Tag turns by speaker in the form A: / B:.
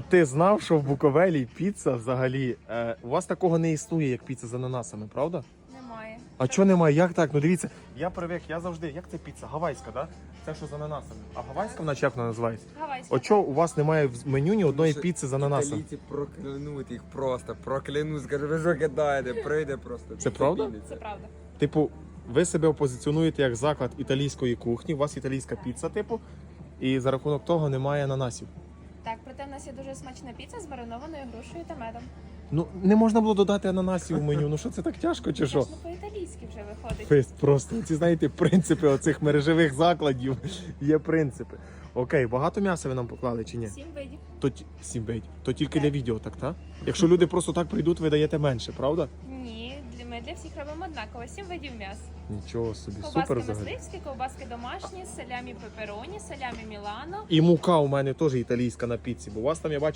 A: ти знав, що в Буковелі піца взагалі, у вас такого не існує, як піца з ананасами, правда?
B: Немає.
A: А чого немає? Як так? Ну дивіться, я привик, я завжди, як це піца? Гавайська, да? Це що з ананасами? А гавайська вона чи як вона називається?
B: Гавайська.
A: От чого у вас немає в меню ні одної піци з ананасом?
C: Італійці проклянуть їх просто, проклянуть, скажуть, ви що кидаєте, прийде просто.
A: Це правда?
B: Це правда.
A: Типу, ви себе позиціонуєте як заклад італійської кухні, у вас італійська піца, типу, і за рахунок того немає ананасів.
B: Так, проте в нас є дуже смачна піца з маринованою грушею та медом.
A: Ну, не можна було додати ананасів в меню, ну що це так тяжко чи
B: Це
A: що?
B: ж не по-італійськи вже виходить.
A: Ви просто, ці знаєте, принципи оцих мережевих закладів, є принципи. Окей, багато м'яса ви нам поклали чи ні?
B: 7 видів.
A: То 7 бейт. То тільки для відео, так? Якщо люди просто так прийдуть, ви даєте менше, правда?
B: Ні, ми для всіх робимо однаково. 7 видів м'яс.
A: Нічого собі,
B: Ковбаски
A: супер взагалі.
B: мисливські, ковбаски домашні, салямі пепероні, салямі Мілано.
A: І мука у мене теж італійська на піці, бо у вас там я бачу